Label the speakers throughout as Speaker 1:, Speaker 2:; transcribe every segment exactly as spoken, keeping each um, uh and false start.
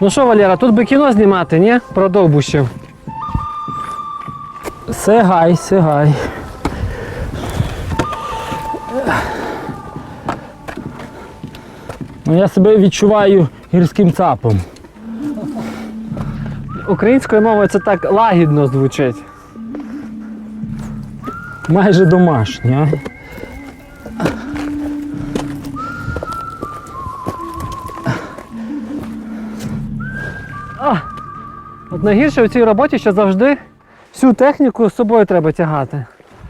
Speaker 1: Ну що, Валера, тут би кіно знімати, ні? Про довбущів.
Speaker 2: Сигай, сигай. Ну, я себе відчуваю гірським цапом.
Speaker 1: Українською мовою це так лагідно звучить.
Speaker 2: Майже домашнє, а?
Speaker 1: А, от найгірше у цій роботі, що завжди всю техніку з собою треба тягати.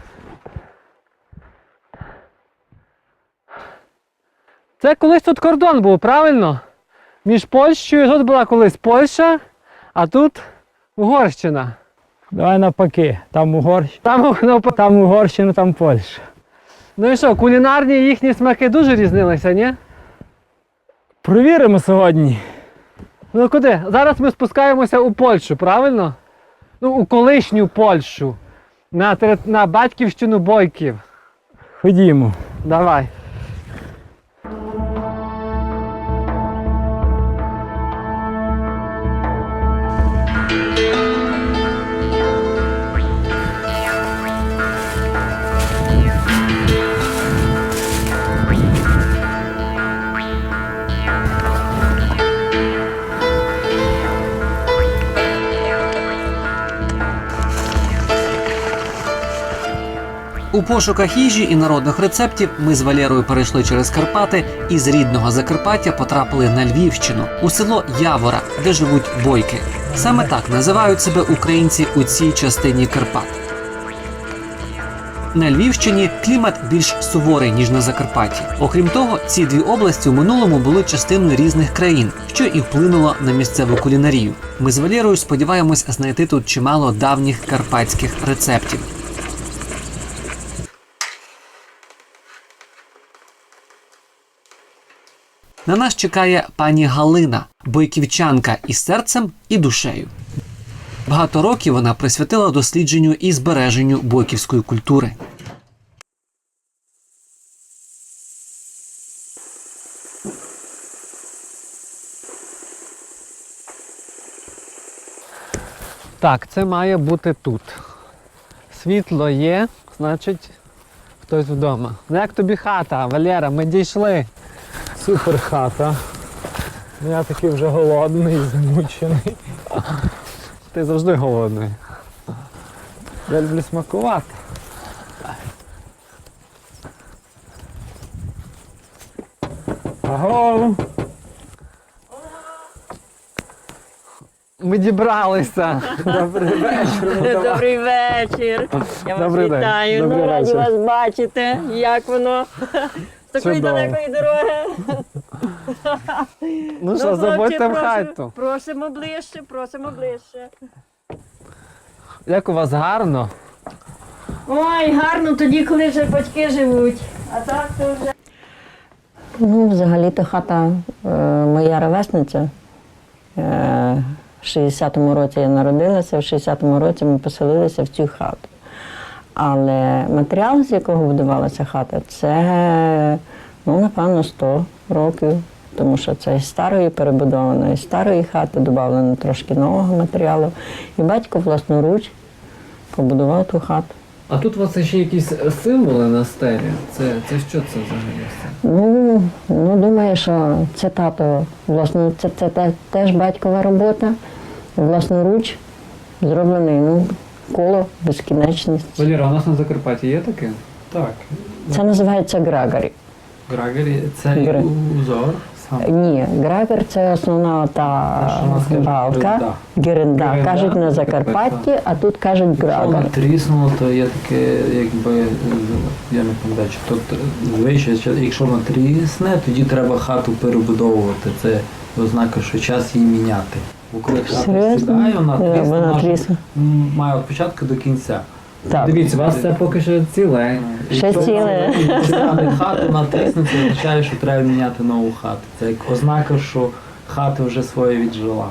Speaker 1: Це колись тут кордон був, правильно? Між Польщею, тут була колись Польща, а тут Угорщина.
Speaker 2: Давай навпаки, там Угорщина,
Speaker 1: Там, ну,
Speaker 2: там Угорщина, там Польща.
Speaker 1: ну і що, кулінарні їхні смаки дуже різнилися, ні?
Speaker 2: Провіримо сьогодні.
Speaker 1: Ну куди? Зараз ми спускаємося у Польщу, правильно? Ну, у колишню Польщу. На, тери- на батьківщину бойків.
Speaker 2: Ходімо.
Speaker 1: Давай.
Speaker 3: У пошуках їжі і народних рецептів ми з Валерою перейшли через Карпати і з рідного Закарпаття потрапили на Львівщину, у село Явора, де живуть бойки. Саме так називають себе українці у цій частині Карпат. На Львівщині клімат більш суворий, ніж на Закарпатті. Окрім того, ці дві області у минулому були частиною різних країн, що і вплинуло на місцеву кулінарію. Ми з Валерою сподіваємось знайти тут чимало давніх карпатських рецептів. На нас чекає пані Галина, бойківчанка із серцем і душею. Багато років вона присвятила дослідженню і збереженню бойківської культури.
Speaker 1: Так, це має бути тут. Світло є, значить хтось вдома. Ну як тобі хата, Валера, ми дійшли.
Speaker 2: Супер хата. Я такий вже голодний, змучений.
Speaker 1: Ти завжди голодний.
Speaker 2: Я люблю смакувати. Аго!
Speaker 1: Ми дібралися.
Speaker 2: Добрий вечір.
Speaker 4: Добрий вечір. Я вас
Speaker 1: Добрий день.
Speaker 4: вітаю.
Speaker 1: Добрий
Speaker 4: Ну, раді
Speaker 1: вечір.
Speaker 4: вас бачити. Як воно? З такої
Speaker 1: Чудово.
Speaker 4: далекої дороги.
Speaker 1: Ну що,
Speaker 4: хлопці,
Speaker 1: заходьте в
Speaker 4: прошу-
Speaker 1: хату.
Speaker 4: Просимо ближче, просимо ближче.
Speaker 1: Як у вас гарно.
Speaker 4: Ой, гарно тоді, коли вже батьки живуть. А так то вже. Ну, взагалі-то хата е, моя ровесниця. Е, в шістдесятому році я народилася, в шістдесятому році ми поселилися в цю хату. Але матеріал, з якого будувалася хата, це, ну, напевно, сто років. Тому що це із старої перебудованої, з старої хати додавлено трошки нового матеріалу. І батько власноруч побудував ту хату.
Speaker 1: А тут у вас ще якісь символи на стелі. Це, це що це взагалі?
Speaker 4: Ну, ну, думаю, що це тато, власно, це, це, те- теж батькова робота, власноруч зроблений, ну, коло, безкінечність.
Speaker 1: Валера, у нас на Закарпатті є таке?
Speaker 5: Так,
Speaker 4: Це називається грагорі.
Speaker 5: Грагері це
Speaker 4: Гра-
Speaker 5: узор сам.
Speaker 4: Ні, грагер – це основна та
Speaker 5: Те, що у нас кажуть,
Speaker 4: балка,
Speaker 5: геренда.
Speaker 4: геренда,
Speaker 5: Геренда,
Speaker 4: кажуть на Закарпатті, а тут кажуть
Speaker 5: Якщо
Speaker 4: грагер.
Speaker 5: вона тріснула, то є таке, якби, я не пам'ятаю, чи тут вище, чи- якщо вона трісне, тоді треба хату перебудовувати. Це ознака, що час її міняти. Бо коли хата
Speaker 4: Серйозно?
Speaker 5: сідає, вона
Speaker 4: Е,
Speaker 5: трісне,
Speaker 4: вона
Speaker 5: вона ж,
Speaker 4: трісне.
Speaker 5: м, має від початку до кінця.
Speaker 4: Так.
Speaker 1: Дивіться, у вас це поки що ціле.
Speaker 4: Ще
Speaker 5: Якщо
Speaker 4: ціле.
Speaker 5: стане хату на трісне, це означає, що треба міняти нову хату. Це як ознака, що хата вже своє віджила.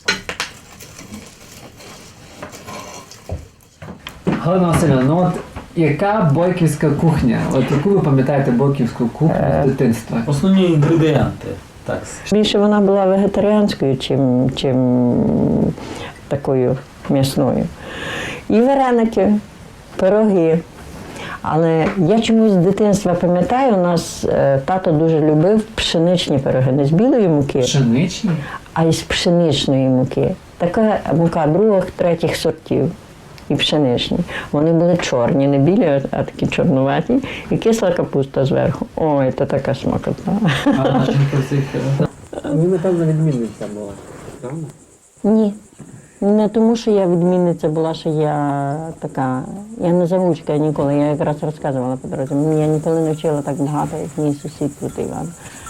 Speaker 1: Галина Васильівна, ну от
Speaker 3: Яка бойківська кухня? От яку ви пам'ятаєте бойківську кухню з дитинства?
Speaker 5: Основні інгредієнти. Так.
Speaker 4: Більше вона була вегетаріанською, чим, чим такою м'ясною. І вареники, пироги. Але я чомусь з дитинства пам'ятаю, у нас е, тато дуже любив пшеничні пироги, не з білої муки,
Speaker 3: Пшеничні?
Speaker 4: а із пшеничної муки. Така мука других, третіх сортів і пшеничні. Вони були чорні, не білі, а такі чорнуваті, і кисла капуста зверху. Ой, це така смакота.
Speaker 5: А начинка цих.
Speaker 2: Ви, напевно, відмінниця була. Правда?
Speaker 4: Ні. Не тому, що я відмінниця була, що я така, я не завучка ніколи, я якраз розказувала по дорозі. Я ніколи не вчила так багато, як мій сусід тут Іван.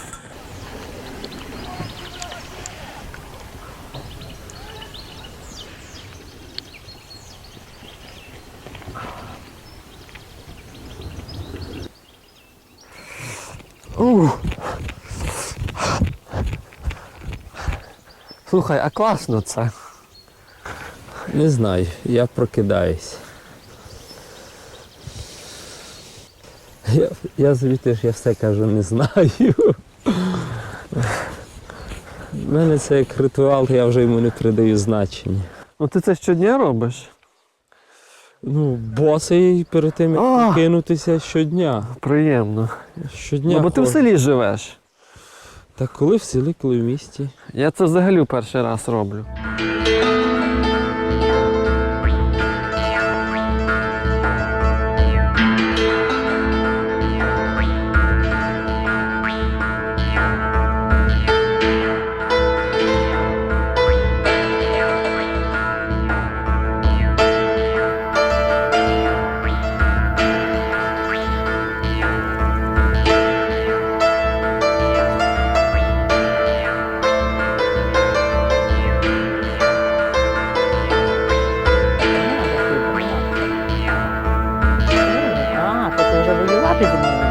Speaker 1: Слухай, а класно це.
Speaker 2: Не знаю, я прокидаюсь. Я, я звідти ж я все кажу, не знаю. У мене це як ритуал, я вже йому не придаю значення.
Speaker 1: Ну ти це щодня робиш?
Speaker 2: Ну, босий перед тим, як
Speaker 1: А!
Speaker 2: кинутися щодня.
Speaker 1: Приємно.
Speaker 2: Щодня
Speaker 1: Ну, бо ти в
Speaker 2: ходжу.
Speaker 1: селі живеш.
Speaker 2: Та коли в селі, коли в місті.
Speaker 1: Я це взагалі перший раз роблю.
Speaker 4: А, то ти вже воювати зі мною.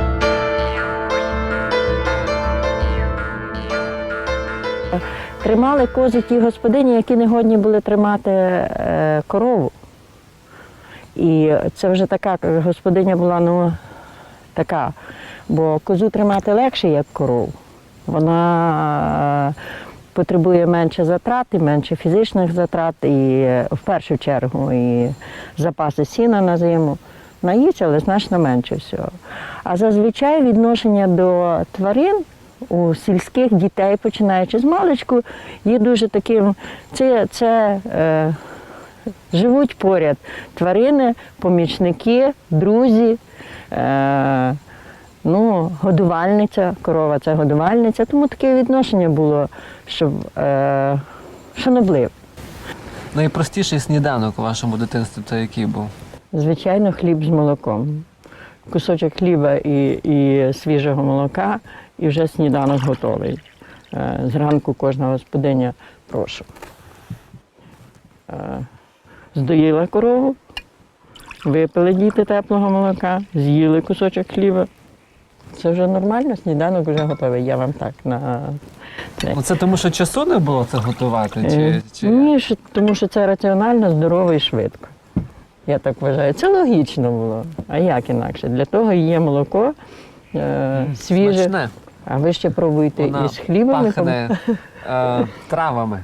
Speaker 4: Тримали кози ті господині, які не годні були тримати е, корову. І це вже така господиня була, ну, така, бо козу тримати легше, як корову. Вона е, потребує менше затрат, і менше фізичних затрат, і е, в першу чергу і запаси сіна на зиму. Наїться, але значно менше всього. А зазвичай відношення до тварин у сільських дітей, починаючи з маличку, є дуже таким, це, це е, живуть поряд тварини, помічники, друзі, е, ну, годувальниця, корова – це годувальниця, тому таке відношення було, щоб е, шанобливе.
Speaker 1: Найпростіший сніданок у вашому дитинстві це який був?
Speaker 4: Звичайно, хліб з молоком. Кусочок хліба і, і свіжого молока, і вже сніданок готовий. Е, Зранку кожна господиня, прошу. Е, Здоїла корову, випили діти теплого молока, з'їли кусочок хліба. Це вже нормально, сніданок вже готовий. Я вам так на це.
Speaker 1: Оце тому, що часу не було це готувати?
Speaker 4: Е,
Speaker 1: Чи, чи...
Speaker 4: Ні, що- тому що це раціонально, здорово і швидко. Я так вважаю. Це логічно було. А як інакше? Для того і є молоко е, свіже.
Speaker 1: Смачне.
Speaker 4: А ви ще пробуйте
Speaker 1: Вона
Speaker 4: із хлібом. і
Speaker 1: пахне е, травами.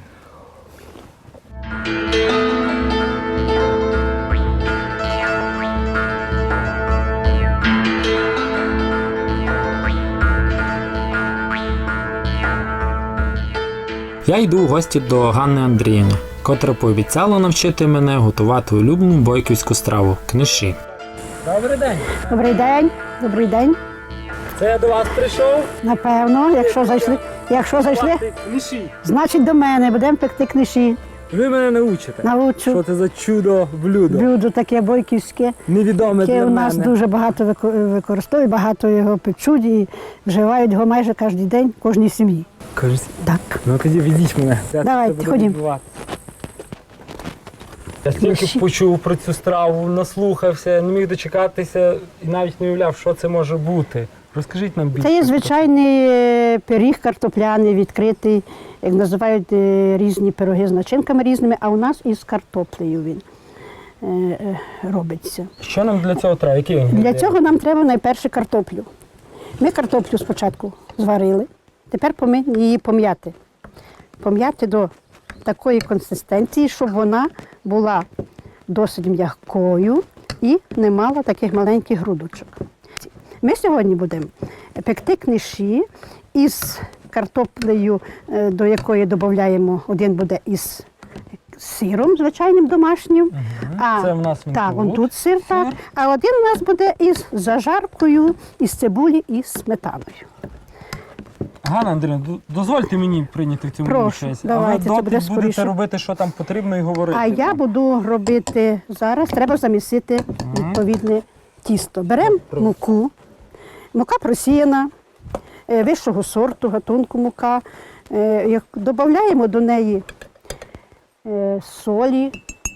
Speaker 6: Я йду в гості до Ганни Андріївни, котра пообіцяла навчити мене готувати улюблену бойківську страву – книші.
Speaker 2: Добрий день.
Speaker 7: Добрий день, добрий день.
Speaker 2: Це я до вас прийшов.
Speaker 7: Напевно, якщо зайшли, якщо зайшли,
Speaker 2: Книші.
Speaker 7: значить до мене будемо пекти книші.
Speaker 2: Ви мене научите.
Speaker 7: Научу.
Speaker 2: Що це за чудо блюдо?
Speaker 7: Блюдо таке бойківське,
Speaker 2: Невідоме
Speaker 7: яке
Speaker 2: для
Speaker 7: у нас
Speaker 2: мене.
Speaker 7: дуже багато вико- використовують, багато його печуть і вживають його майже кожен день в кожній сім'ї.
Speaker 2: Кажуть,
Speaker 7: Так.
Speaker 2: ну тоді ведіть мене. Це
Speaker 7: Давайте,
Speaker 2: буде
Speaker 7: ходім.
Speaker 2: відбувати. Я стільки почув про цю страву, наслухався, не міг дочекатися і навіть не уявляв, що це може бути. Розкажіть нам більше.
Speaker 7: Це є звичайний е, пиріг картопляний, відкритий, як називають е, різні пироги з начинками різними, а у нас із картоплею він. е, е, робиться.
Speaker 2: Що нам для цього треба? Які
Speaker 7: Для
Speaker 2: інгредієнти?
Speaker 7: цього нам треба найперше картоплю. Ми картоплю спочатку зварили, тепер повинні її пом'яти. Пом'яти до такої консистенції, щоб вона була досить м'якою і не мала таких маленьких грудочок. Ми сьогодні будемо пекти книші із картоплею, е, до якої додаємо, один буде із сиром звичайним домашнім. А,
Speaker 2: Це в нас він
Speaker 7: так,
Speaker 2: тут.
Speaker 7: он тут сир, так. А один у нас буде із зажаркою, із цибулі і сметаною.
Speaker 2: Ганна Андріївна, д- дозвольте мені прийняти в цьому
Speaker 7: Прошу,
Speaker 2: участь.
Speaker 7: давайте,
Speaker 2: а
Speaker 7: це
Speaker 2: ви
Speaker 7: буде
Speaker 2: доти будете
Speaker 7: скоріше.
Speaker 2: робити, що там потрібно, і говорити.
Speaker 7: А я буду робити зараз, треба замісити відповідне тісто. Беремо муку, мука просіяна, е, вищого сорту, гатунку мука. Е, як- Додаємо до неї е, солі.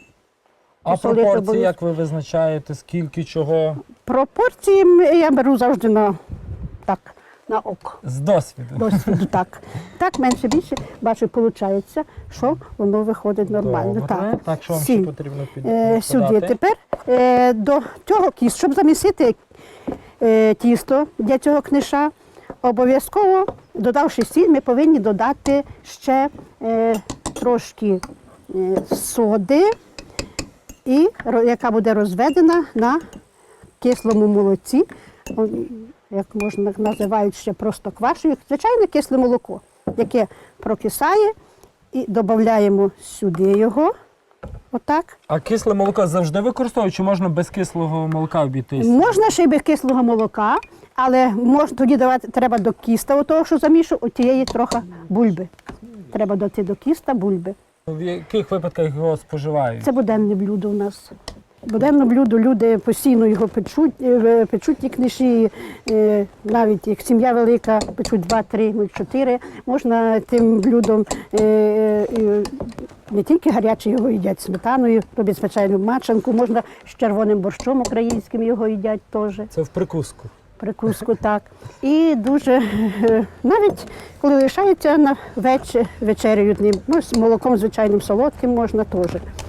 Speaker 2: А
Speaker 7: посолити
Speaker 2: пропорції,
Speaker 7: обов'язково.
Speaker 2: як ви визначаєте, скільки чого?
Speaker 7: Пропорції м, я беру завжди на, так, на око.
Speaker 2: З досвіду.
Speaker 7: Досвіду так. Так, менше більше, бачу, виходить, що воно виходить нормально.
Speaker 2: Добре.
Speaker 7: Так,
Speaker 2: Так, що вам
Speaker 7: Сіль.
Speaker 2: ще потрібно під...
Speaker 7: Е, сюди.
Speaker 2: подати?
Speaker 7: Тепер е, до цього кісту, щоб замісити е, тісто для цього книша, обов'язково, додавши сіль, ми повинні додати ще е, трошки е, соди, і, ро- яка буде розведена на кислому молоці, о, як можна називають ще просто квашею, звичайне кисле молоко, яке прокисає, і додаємо сюди його. Отак.
Speaker 2: А кисле молоко завжди використовують, чи можна без кислого молока обійтись?
Speaker 7: Можна ще й без кислого молока, але мож, тоді давати, треба до кіста, того, що замішу, от тієї трохи бульби. Треба дати до кіста бульби.
Speaker 2: В яких випадках його споживають?
Speaker 7: Це буденне блюдо у нас. Буденне блюдо, люди постійно його печуть, е, печуть ті книжі, е, навіть як сім'я велика, печуть два-три, ну, чотири. Можна тим блюдом е, е, не тільки гаряче його їдять сметаною, роблять звичайну мачанку, можна з червоним борщом українським його їдять теж.
Speaker 2: Це в прикуску.
Speaker 7: Прикуску, так. І дуже, е, навіть коли лишається на вечір, вечеряють ним, ну, з молоком звичайним солодким можна теж.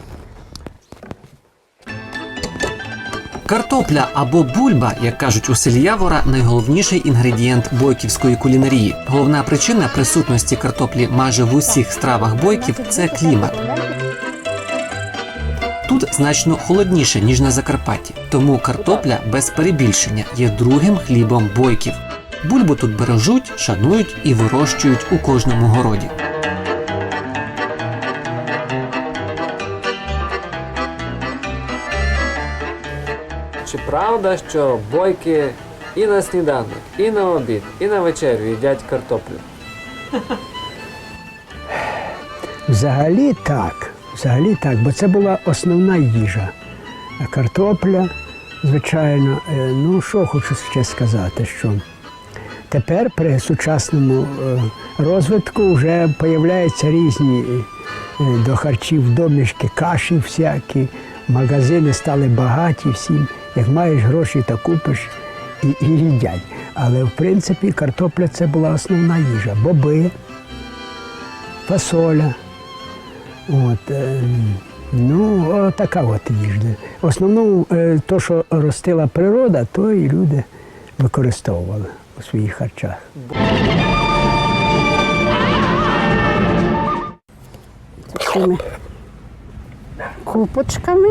Speaker 3: Картопля або бульба, як кажуть у селі Явора, найголовніший інгредієнт бойківської кулінарії. Головна причина присутності картоплі майже в усіх стравах бойків – це клімат. Тут значно холодніше, ніж на Закарпатті, тому картопля без перебільшення є другим хлібом бойків. Бульбу тут бережуть, шанують і вирощують у кожному городі.
Speaker 1: Чи правда, що бойки і на сніданок, і на обід, і на вечерю їдять картоплю?
Speaker 8: Взагалі так, взагалі так, бо це була основна їжа. А картопля, звичайно, е, ну що хочу ще сказати, що тепер при сучасному е, розвитку вже з'являються різні е, до харчів домішки, каші всякі, магазини стали багаті всім. Як маєш гроші, то купиш і, і їдять. Але в принципі картопля це була основна їжа. Боби, фасоля. От, е, ну, о, така от їжа. В основному, е, то, що ростила природа, то і люди використовували у своїх харчах.
Speaker 7: Такими купочками.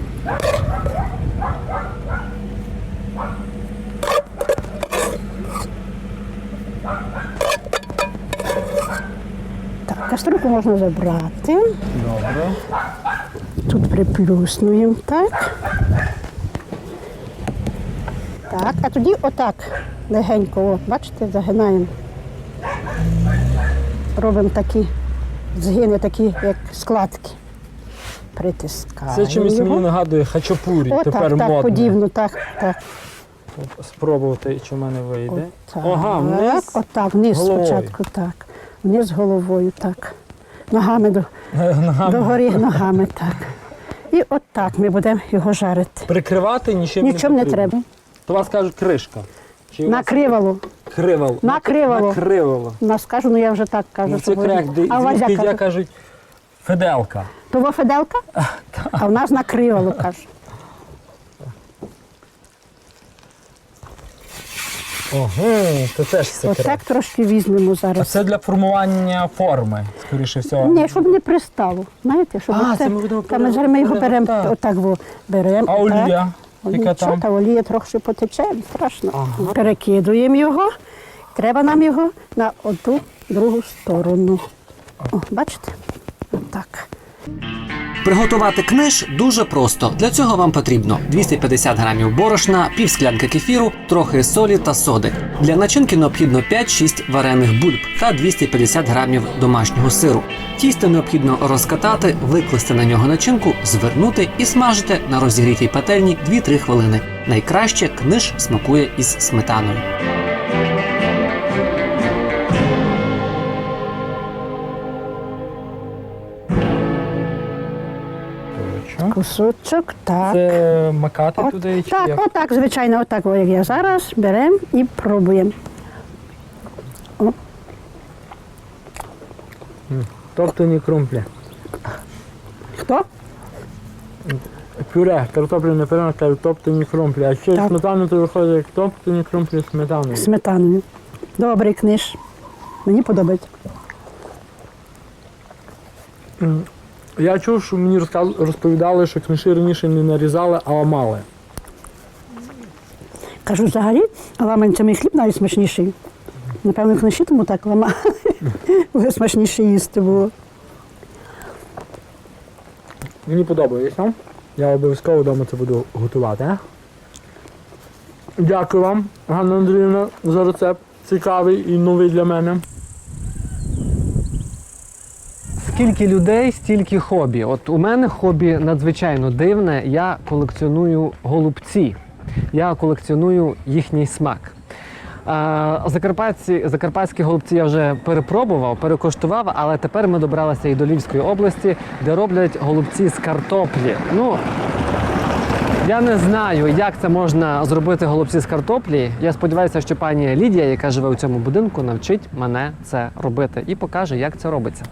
Speaker 7: Так, кастрюльку можна забрати.
Speaker 2: Добре.
Speaker 7: Тут приплюснуємо, так. Так, а тоді отак легенько, о, бачите, загинаємо. Робимо такі згини, такі як складки. Притискаємо
Speaker 2: Це чимось
Speaker 7: його.
Speaker 2: мені нагадує хачапурі,
Speaker 7: О,
Speaker 2: тепер
Speaker 7: так, так,
Speaker 2: модно.
Speaker 7: подібно, так, так.
Speaker 2: От спробувати, чи в мене вийде.
Speaker 7: Так,
Speaker 2: Ага, вниз.
Speaker 7: Отак, вниз
Speaker 2: головою.
Speaker 7: спочатку, так. Вниз головою, так. Ногами до,
Speaker 2: Ногами.
Speaker 7: догорі ногами, так. І отак ми будемо його жарити.
Speaker 2: Прикривати нічим
Speaker 7: Нічим
Speaker 2: не
Speaker 7: не
Speaker 2: потрібно.
Speaker 7: треба.
Speaker 2: То вас кажуть кришка. Чи у вас
Speaker 7: Накривало.
Speaker 2: Кривало.
Speaker 7: Накривало.
Speaker 2: Накривало.
Speaker 7: У нас кажу, ну я вже так кажу.
Speaker 2: Ну,
Speaker 7: що
Speaker 2: це крек,
Speaker 7: говорю.
Speaker 2: де
Speaker 7: А у вас як
Speaker 2: звідки я
Speaker 7: кажуть?
Speaker 2: кажуть Феделка.
Speaker 7: Того Феделка? А в нас на криволу, каже.
Speaker 2: Ого, це теж секрет.
Speaker 7: Отак трошки візьмемо
Speaker 2: А
Speaker 7: зараз.
Speaker 2: це для формування форми, скоріше всього.
Speaker 7: Ні, щоб не пристало. Знаєте, щоб
Speaker 2: А,
Speaker 7: оце-
Speaker 2: це ми будемо
Speaker 7: Та ми зараз ми його беремо,
Speaker 2: перевертати.
Speaker 7: отак во, беремо.
Speaker 2: А
Speaker 7: отак.
Speaker 2: олія? Яка
Speaker 7: Нічого,
Speaker 2: там?
Speaker 7: та олія трохи потече, не страшно. Перекидуємо його. Треба нам його на оту другу сторону. О, бачите? Отак.
Speaker 3: Приготувати книж дуже просто. Для цього вам потрібно двісті п'ятдесят грамів борошна, пів склянки кефіру, трохи солі та соди. Для начинки необхідно п'ять-шість варених бульб та двісті п'ятдесят грамів домашнього сиру. Тісто необхідно розкатати, викласти на нього начинку, звернути і смажити на розігрітій пательні дві-три хвилини. Найкраще книж смакує із сметаною.
Speaker 7: Кусочок, так.
Speaker 2: Це макати
Speaker 7: От,
Speaker 2: туди чи
Speaker 7: так,
Speaker 2: як?
Speaker 7: отак, звичайно, отак, о, як я зараз, беремо і пробуємо.
Speaker 2: Тобто не крумплі.
Speaker 7: Хто?
Speaker 2: Пюре, картопляне пюре, на кажуть, топтані крумплі. А ще
Speaker 7: Так.
Speaker 2: сметану то виходить як топтані крумплі з сметаною.
Speaker 7: Сметаною. Добрий книж. Мені подобається.
Speaker 2: Я чув, що мені розказ... розповідали, що книжі раніше не нарізали, а ламали.
Speaker 7: Кажу, взагалі, ламанцями хліб навіть смачніший. Напевно, книжі тому так ламали. Бо смачніше їсти було.
Speaker 2: Мені подобається. Я обов'язково вдома це буду готувати. а? Дякую вам, Ганна Андріївна, за рецепт. Цікавий і новий для мене.
Speaker 1: Скільки людей, стільки хобі. От у мене хобі надзвичайно дивне. Я колекціоную голубці. Я колекціоную їхній смак. А, Закарпатці, закарпатські голубці я вже перепробував, перекоштував, але тепер ми добралися і до Львівської області, де роблять голубці з картоплі. Ну, я не знаю, як це можна зробити голубці з картоплі. Я сподіваюся, що пані Лідія, яка живе у цьому будинку, навчить мене це робити і покаже, як це робиться.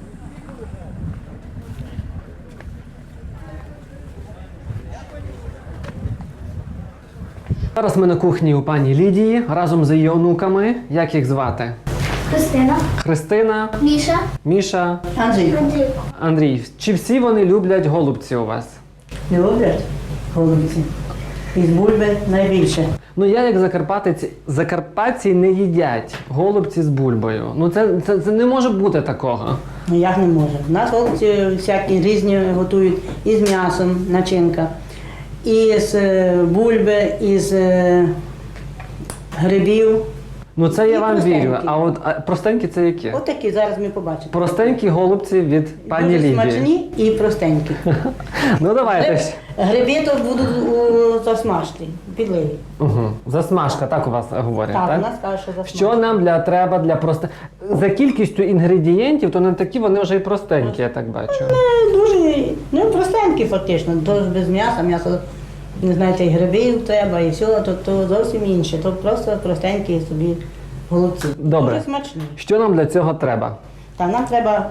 Speaker 1: Зараз ми на кухні у пані Лідії разом з її онуками. Як їх звати?
Speaker 9: Христина,
Speaker 1: Христина,
Speaker 9: Міша,
Speaker 1: Міша,
Speaker 4: Андрій,
Speaker 9: Андрій.
Speaker 1: Андрій. Чи всі вони люблять голубці у вас?
Speaker 4: не люблять голубці? Із бульби найбільше.
Speaker 1: Ну я як закарпатець, закарпатці не їдять голубці з бульбою. Ну це, це, це не може бути такого.
Speaker 4: Ну як не може? У нас голубці всякі різні готують із м'ясом, начинка, із е, бульби, із е, грибів.
Speaker 1: Ну це я
Speaker 4: І
Speaker 1: вам
Speaker 4: простенькі.
Speaker 1: вірю. А от а простенькі це які?
Speaker 4: От такі зараз ми побачимо.
Speaker 1: Простенькі голубці від пані
Speaker 4: Дуже
Speaker 1: Лідії.
Speaker 4: смачні і простенькі.
Speaker 1: Ну давайте. ж.
Speaker 4: Гриби то будуть у засмажені, підливі.
Speaker 1: Угу. Засмажка, так у вас говорять,
Speaker 4: Так,
Speaker 1: так?
Speaker 4: у нас кажуть, що засмажені.
Speaker 1: Що нам для треба для просто за кількістю інгредієнтів, то не такі вони вже і простенькі, я так бачу.
Speaker 4: Дуже, ну простенькі фактично, то без м'яса, м'ясо, не знаєте, і грибів треба, і все, то, то зовсім інше, то просто простенькі собі голубці.
Speaker 1: Добре.
Speaker 4: Дуже смачні.
Speaker 1: Що нам для цього треба?
Speaker 4: Та нам треба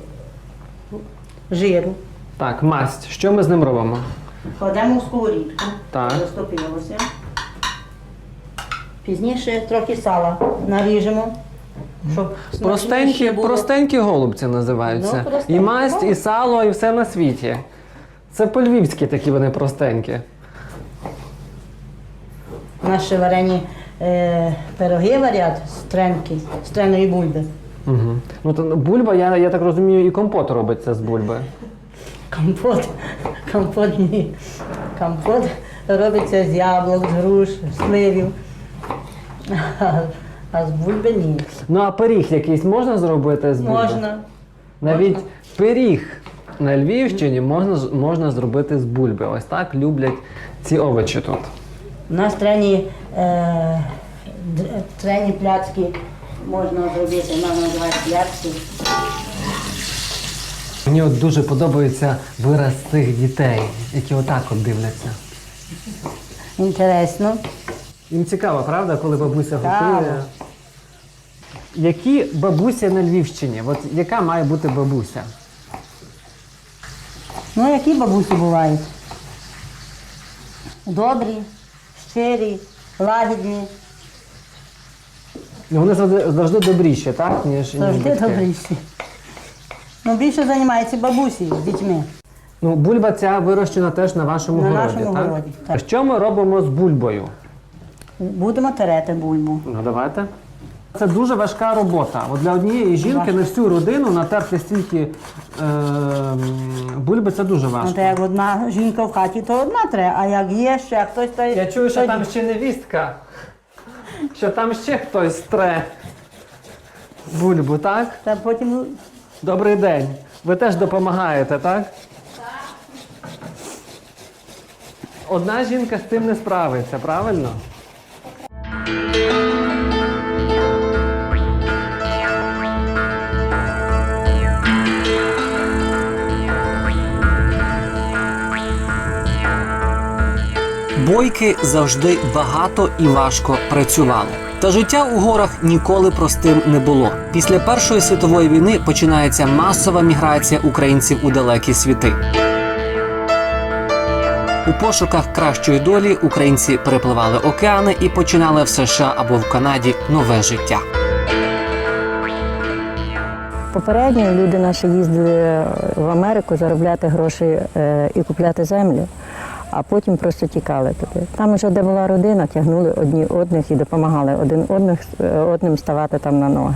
Speaker 4: жиру.
Speaker 1: Так, масть. Що ми з ним робимо?
Speaker 4: Кладемо в сковорідку,
Speaker 1: Так.
Speaker 4: розтопилося. Пізніше трохи сала наріжемо, щоб
Speaker 1: Простенькі,
Speaker 4: смачніше було.
Speaker 1: простенькі голубці називаються.
Speaker 4: Ну, простенькі.
Speaker 1: І масть, і сало, і все на світі. Це по-львівськи такі вони простенькі.
Speaker 4: Наші варені е, пироги варять з тренки, з треної бульби.
Speaker 1: Угу. Ну то бульба, я, я так розумію, і компот робиться з бульби.
Speaker 4: Компот, компот ні. Компот робиться з яблук, з груш, з сливів. А, а з бульби ні.
Speaker 1: Ну а пиріг якийсь можна зробити з бульби?
Speaker 4: Можна.
Speaker 1: Навіть
Speaker 4: можна.
Speaker 1: пиріг на Львівщині можна, з- можна зробити з бульби. Ось так люблять ці овочі тут.
Speaker 4: У нас трені, е, д- трені пляцки можна зробити, нам називають пляцки.
Speaker 1: Мені от дуже подобається вираз цих дітей, які отак от дивляться.
Speaker 4: Інтересно.
Speaker 1: Їм цікаво, правда, коли бабуся
Speaker 4: Цікаво.
Speaker 1: готує. Які бабусі на Львівщині? От яка має бути бабуся?
Speaker 9: Ну, які бабусі бувають? Добрі, щирі, лагідні,
Speaker 1: Ну, вони завжди, завжди добріші, так? Ніж, ніж
Speaker 9: завжди
Speaker 1: батьки.
Speaker 9: добріші. Ну, більше займаються бабусі з дітьми.
Speaker 1: Ну, бульба ця вирощена теж на вашому
Speaker 9: На
Speaker 1: городі,
Speaker 9: нашому
Speaker 1: так?
Speaker 9: городі, так.
Speaker 1: А що ми робимо з бульбою?
Speaker 9: Будемо терети бульбу.
Speaker 1: Ну, давайте. Це дуже важка робота. От для однієї жінки
Speaker 9: Важко.
Speaker 1: на всю родину натерти стільки е, бульби – це дуже
Speaker 9: Ну,
Speaker 1: важко.
Speaker 9: то як одна жінка в хаті, то одна треба, а як є ще хтось, то
Speaker 1: Я чую, що
Speaker 9: тоді.
Speaker 1: там ще невістка. Що там ще хтось тре бульбу, так?
Speaker 9: Та потім
Speaker 1: Добрий день. Ви теж допомагаєте, так? Одна жінка з цим не справиться, правильно?
Speaker 3: Бойки завжди багато і важко працювали. Та життя у горах ніколи простим не було. Після Першої світової війни починається масова міграція українців у далекі світи. У пошуках кращої долі українці перепливали океани і починали в США або в Канаді нове життя.
Speaker 4: Попередньо люди наші їздили в Америку заробляти гроші е, і купляти землю, а потім просто тікали туди. Там вже, де була родина, тягнули одні одних і допомагали один одних, одним ставати там на ноги.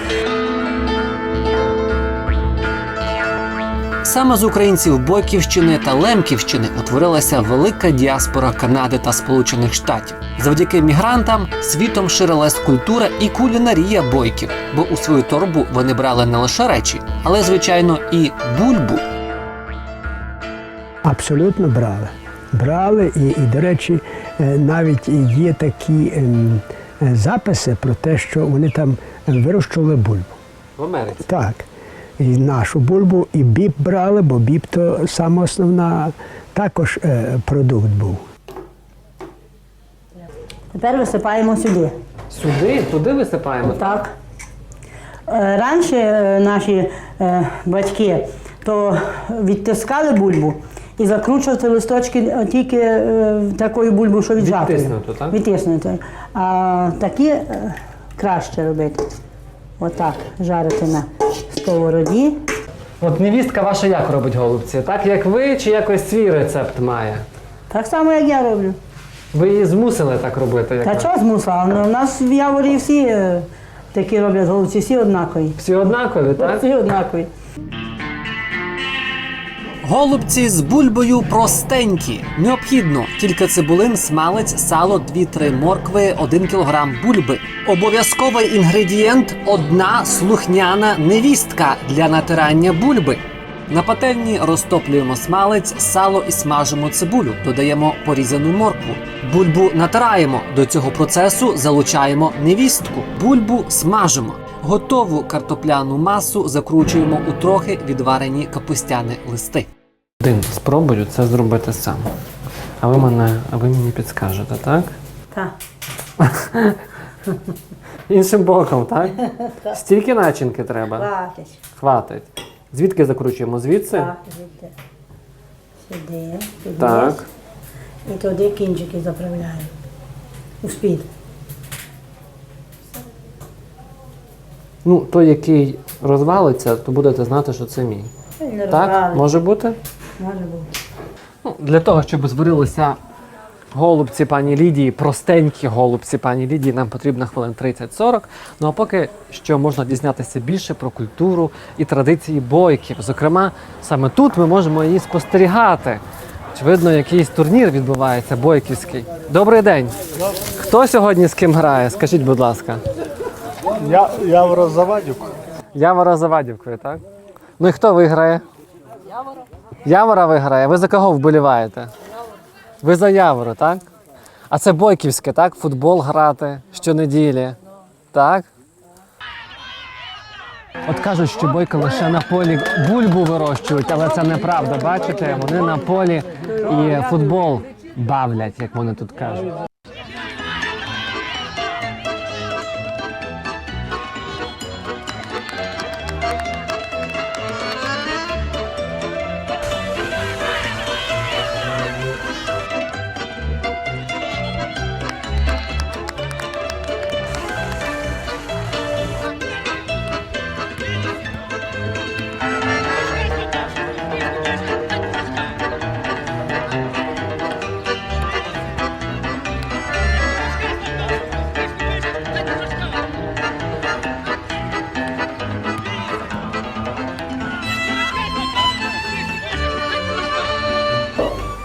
Speaker 3: Саме з українців Бойківщини та Лемківщини утворилася велика діаспора Канади та Сполучених Штатів. Завдяки мігрантам світом ширилась культура і кулінарія бойків, бо у свою торбу вони брали не лише речі, але, звичайно, і бульбу.
Speaker 8: Абсолютно брали. Брали і, і до речі, е, навіть є такі ем, е, записи про те, що вони там вирощували бульбу.
Speaker 1: В Америці.
Speaker 8: Так. І нашу бульбу, і біб брали, бо біб то саме основна також е, продукт був.
Speaker 9: тепер висипаємо сюди.
Speaker 1: Сюди, туди висипаємо?
Speaker 9: Так. Е, Раніше е, наші е, батьки то відтискали бульбу і закручували листочки е, тільки е, такою бульбою, що віджати.
Speaker 1: Відтиснуту, так?
Speaker 9: Відтиснутою. А такі е, краще робити. Отак, жарити на сковороді.
Speaker 1: От невістка ваша як робить голубці? Так як ви, чи якось свій рецепт має?
Speaker 9: Так само, як я роблю.
Speaker 1: Ви її змусили так робити? Як
Speaker 9: Та
Speaker 1: ви?
Speaker 9: чого змусила? Ну, у нас в Яворі всі е, такі роблять голубці, всі однакові.
Speaker 1: Всі однакові, так?
Speaker 9: Всі однакові.
Speaker 3: Голубці з бульбою простенькі. Необхідно кілька цибулин, смалець, сало, дві-три моркви, один кілограм бульби. Обов'язковий інгредієнт – одна слухняна невістка для натирання бульби. На пательні розтоплюємо смалець, сало і смажимо цибулю. Додаємо порізану моркву. Бульбу натираємо. До цього процесу залучаємо невістку. Бульбу смажимо. Готову картопляну масу закручуємо у трохи відварені капустяні листи.
Speaker 1: Один, спробую це зробити сам. А ви мене, а ви мені підскажете, так?
Speaker 9: Так.
Speaker 1: Іншим боком, так? Стільки начинки треба?
Speaker 9: Хватить.
Speaker 1: Хватить. Звідки закручуємо? Звідси?
Speaker 9: Так, звідти. Сюди, сюди.
Speaker 1: Так.
Speaker 9: І туди кінчики заправляємо. У спід.
Speaker 1: Ну, той, який розвалиться, то будете знати, що це мій.
Speaker 9: Не
Speaker 1: Так?
Speaker 9: розбрали.
Speaker 1: Може бути?
Speaker 9: Може бути.
Speaker 1: Ну, для того, щоб зварилися голубці пані Лідії, простенькі голубці пані Лідії, нам потрібно хвилин тридцять-сорок. Ну а поки що можна дізнатися більше про культуру і традиції бойків. Зокрема, саме тут ми можемо її спостерігати. Очевидно, якийсь турнір відбувається бойківський. Добрий день! Хто сьогодні з ким грає? Скажіть, будь ласка.
Speaker 10: Я, Явора Завадюк.
Speaker 1: Явора Завадівкою, так? Ну і хто виграє? Явора. Явора виграє. Ви за кого вболіваєте? Явору. Ви за Явору, так? А це бойківське, так? Футбол грати щонеділі. Так? От кажуть, що бойки лише на полі бульбу вирощують, але це неправда. Бачите, вони на полі і футбол бавлять, як вони тут кажуть.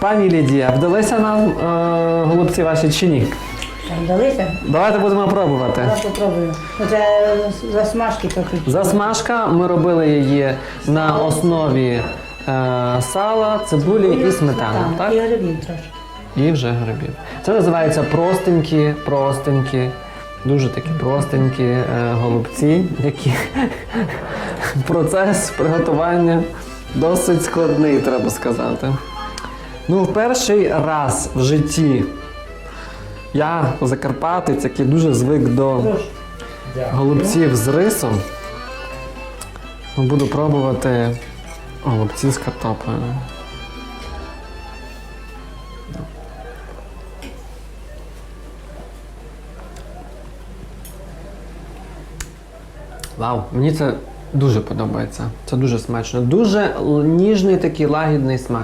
Speaker 1: Пані Лідія, вдалися нам е, голубці ваші чи ні?
Speaker 9: Вдалися?
Speaker 1: Давайте будемо пробувати.
Speaker 9: Я попробую. Оце засмажки трохи.
Speaker 1: Засмажка, ми робили її на основі е, сала, цибулі і сметани. Так?
Speaker 9: І грибів трошки.
Speaker 1: І вже грибів. Це називається простенькі, простенькі, дуже такі простенькі е, голубці, які процес приготування досить складний, треба сказати. Ну, в перший раз в житті я, закарпатець, який дуже звик до голубців з рисом, буду пробувати голубці з картоплею. Вау, мені це дуже подобається. Це дуже смачно. Дуже л- ніжний такий лагідний смак.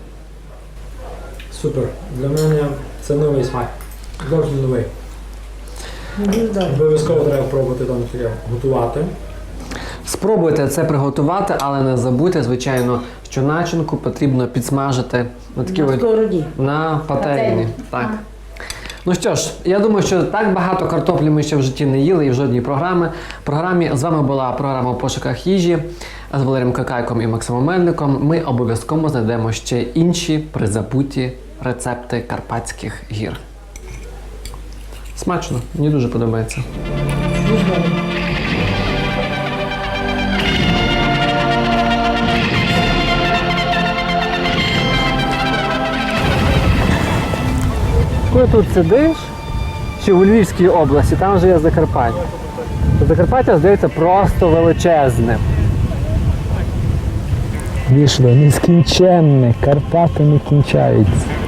Speaker 6: Супер. Для мене це новий смак. Зовсім новий.
Speaker 9: Дуже добре.
Speaker 6: Обов'язково треба пробувати даний матеріал. Готувати.
Speaker 1: Спробуйте це приготувати, але не забудьте, звичайно, що начинку потрібно підсмажити на такі
Speaker 9: На
Speaker 1: от-
Speaker 9: сковороді.
Speaker 1: на пательні.
Speaker 9: Пательні.
Speaker 1: Так. Ну що ж, я думаю, що так багато картоплі ми ще в житті не їли і в жодній програмі. програмі. З вами була програма «У пошуках їжі» з Валерієм Какайком і Максимом Мельником. Ми обов'язково знайдемо ще інші призабуті рецепти Карпатських гір. Смачно, мені дуже подобається. Коли тут сидиш, чи у Львівській області, там вже є Закарпаття. Закарпаття, здається, просто величезне.
Speaker 10: Вийшло нескінченне, Карпати не кінчаються.